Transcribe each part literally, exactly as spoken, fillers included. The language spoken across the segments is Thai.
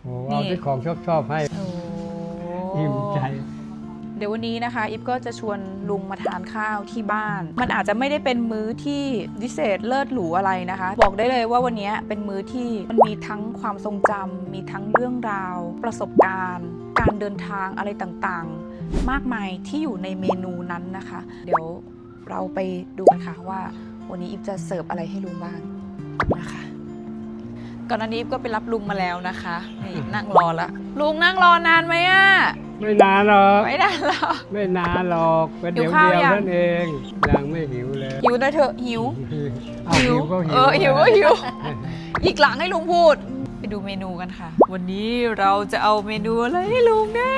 โอ้เอาที่ของชอบชอบให้อิ่มใจเดี๋ยววันนี้นะคะอิฟก็จะชวนลุงมาทานข้าวที่บ้านมันอาจจะไม่ได้เป็นมื้อที่พิเศษเลิศหรูอะไรนะคะบอกได้เลยว่าวันนี้เป็นมื้อที่มันมีทั้งความทรงจำมีทั้งเรื่องราวประสบการณ์การเดินทางอะไรต่างๆมากมายที่อยู่ในเมนูนั้นนะคะเดี๋ยวเราไปดูกันค่ะว่าวันนี้อิฟจะเสิร์ฟอะไรให้ลุงบ้างนะคะก่อนหน้านี้อิฟก็ไปรับลุงมาแล้วนะคะนี่นั่งรอละลุงนั่งรอนานไหมอะไม่นานหรอกไม่นานหรอกไม่นานหรอกเป็นเดี๋ยวเดียวนั่นเองยังไม่หิวเลยหิวหน่อยเถอะหิวหิวก็หิวเออหิวก็หิวอีกหลังให้ลุงพูดไปดูเมนูกันค่ะวันนี้เราจะเอาเมนูอะไรให้ลุงนะ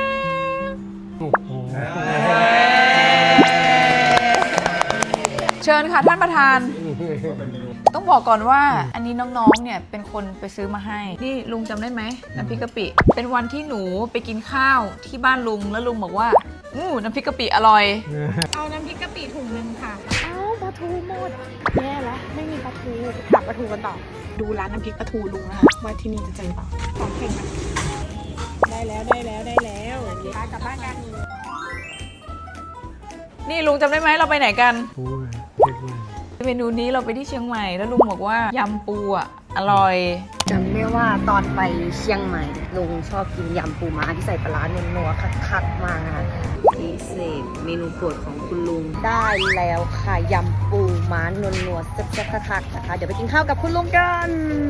เชิญค่ะท่านประธานต้องบอกก่อนว่าอันนี้น้องๆเนี่ยเป็นคนไปซื้อมาให้นี่ลุงจำได้ไหมน้ำพริกกะปิเป็นวันที่หนูไปกินข้าวที่บ้านลุงแล้วลุงบอกว่าอู้น้ำพริกกะปิอร่อยเอาน้ำพริกกะปิถุงนึงค่ะเอาปลาทูหมดแย่แล้วไม่มีปลาทูหาปลาทูกันต่อดูร้านน้ำพริกปลาทูลุงนะคะว่าที่นี่จะเจอเปล่าของเข่งนะได้แล้วได้แล้วได้แล้วพากลับบ้านกันนี่ลุงจำได้ไหมเราไปไหนกันเมนูนี้เราไปที่เชียงใหม่แล้วลุงบอกว่ายำปูอ่ะอร่อยจำได้ว่าตอนไปเชียงใหม่ลุงชอบกินยำปูม้าที่ใส่ปลาร้านัวๆคักๆมากนะคะพิเศษเมนูโปรดของคุณลุงได้แล้วค่ะยำปูม้านัวๆแซ่บๆคักๆนะคะเดี๋ยวไปกินข้าวกับคุณลุงกัน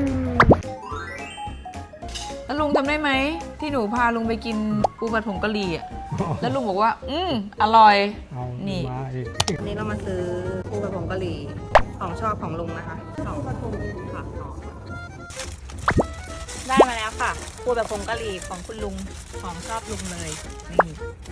แล้วลุงจำได้ไหมที่หนูพาลุงไปกินปูผัดผงกะหรี่อ่ะแล้วลุงบอกว่าอืมอร่อยนี่วันนี้เรามาซื้อปูผัดผงกะหรี่ของชอบของลุงนะคะของผัดผงค่ะได้มาแล้วค่ะปูแบบผงกะหรี่ของคุณลุงของชอบลุงเลยนี่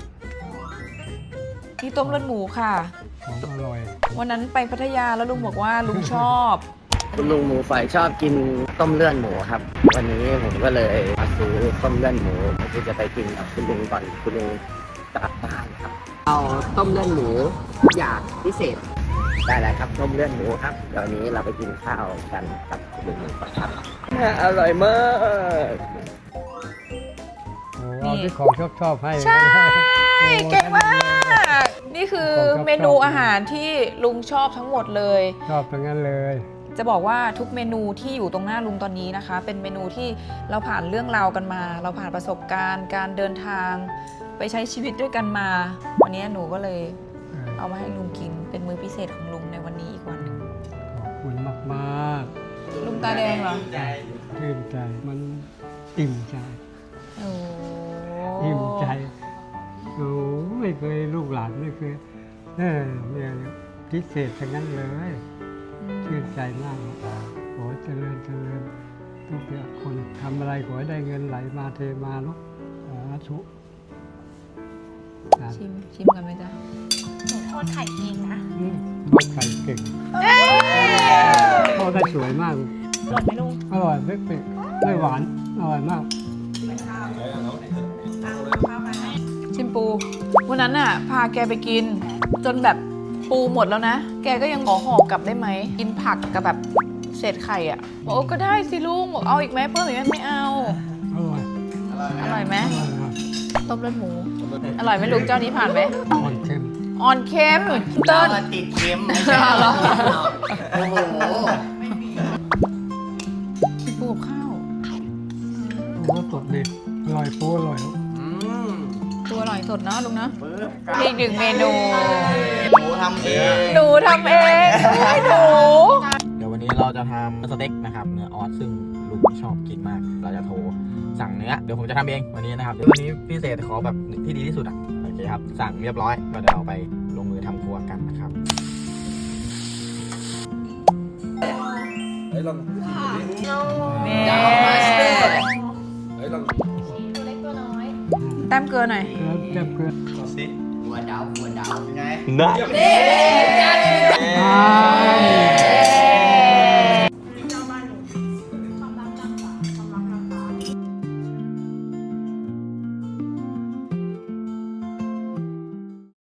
นี่ต้มเลือดหมูค่ะของอร่อยวันนั้นไปพัทยาแล้วลุงบอกว่าลุงชอบคุณลุงหมูฝอยชอบกินต้มเลือดหมูครับวันนี้ผมก็เลยมาซื้อต้มเลือดหมูที่จะไปกินกับคุณลุงก่อนคุณลุงกลับบ้านครับเอาต้มเลือดหมูอย่างพิเศษได้แล้วครับต้มเลือดหมูครับเดี๋ยวนี้เราไปกินข้าวกันกับคุณลุงก่อนครับอร่อยมากโอ้เอาที่ของชอบชอบให้ใช่เก่งมากนี่คือเมนูอาหารที่ลุงชอบทั้งหมดเลยชอบทั้งนั้นเลยจะบอกว่าทุกเมนูที่อยู่ตรงหน้าลุงตอนนี้นะคะเป็นเมนูที่เราผ่านเรื่องราวกันมาเราผ่านประสบการณ์การเดินทางไปใช้ชีวิตด้วยกันมาวันนี้หนูก็เลยเอามาให้ลุงกินเป็นมื้อพิเศษของลุงในวันนี้อีกวันหนึ่งขอบคุณมากๆลุงตาแดงเหรอชื่นใจมันอิ่มใจโอ้อิ่มใจโอ้ไม่เคยลูกหลานไม่เคยเออเนี่ยพิเศษทั้งนั้นเลยชื่นใจมากขอเจริญเจริญทุกคนทำอะไรขอให้ได้เงินไหลมาเทมาลูกสาธุชิมชิมกันไหมจ๊ะหนูทอดไข่เองนะทอดไข่เก่งทอดได้สวยมากอร่อยไหมลุงอร่อยไม่เผ็ดไม่หวานอร่อยมากชิมปูวันนั้นน่ะพาแกไปกินจนแบบปูหมดแล้วนะแกก็ยังขอห่อกลับได้ไหมกินผักกับแบบเศษไข่อ่ะบอกโอ้ก็ได้สิลุงบอกเอาอีกไหมเพิ่มอีกไหมไม่เอาอร่อยอร่อยไหมต้มเลือดหมูอร่อยไหมลุงเจ้านี้ผ่านไหมอ่อนเค็มอ่อนเค็มเติ้ลติดเค็มไม่ใช่หรอโอ้โหกินปูกับข้าวโอ้สดดีอร่อยปูอร่อยปูอร่อยสดเนาะลุงนะอีกหนึ่งเมนูหนูทำเองหนูทำเองให้หนูเดี๋ยววันนี้เราจะทำสเต็กนะครับเนื้อออสซึ่งลุงชอบกินมากเราจะโทรสั่งเนื้อเดี๋ยวผมจะทำเองวันนี้นะครับวันนี้พิเศษขอแบบที่ดีที่สุดอ่ะโอเคครับสั่งเรียบร้อยก็เดี๋ยวเราไปลงมือทำครัวกันนะครับเฮ้ยลองนี่เฮ้ยลองตัวเล็กตัวน้อยแต้มเกลือหน่อยแต้มเกลือดูสิหัวดาวหัวดาวยังไงได้